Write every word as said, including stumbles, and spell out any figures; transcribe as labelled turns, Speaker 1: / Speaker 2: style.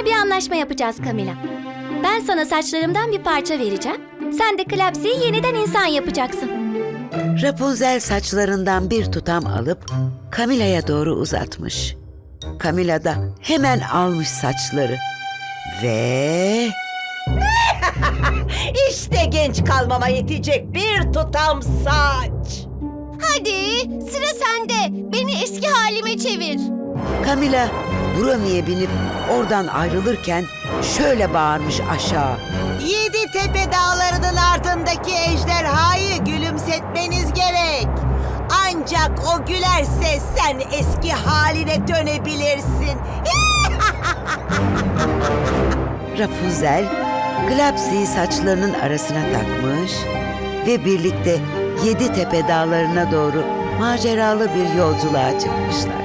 Speaker 1: bir anlaşma yapacağız Camila. Ben sana saçlarımdan bir parça vereceğim. Sen de Klapsi'yi yeniden insan yapacaksın.
Speaker 2: Rapunzel saçlarından bir tutam alıp Camila'ya doğru uzatmış. Camila da hemen almış saçları ve...
Speaker 3: İşte genç kalmama yetecek bir tutam saç.
Speaker 1: Hadi sıra sende. Beni eski halime çevir.
Speaker 2: Camila Bromi'ye binip oradan ayrılırken şöyle bağırmış aşağı.
Speaker 3: Yedi tepe dağlarının ardındaki ejderhayı gülümsetmeniz gerek. Ancak o gülerse sen eski haline dönebilirsin.
Speaker 2: Rapunzel, Klapsi'yi saçlarının arasına takmış ve birlikte Yedi Tepe Dağları'na doğru maceralı bir yolculuğa çıkmışlar.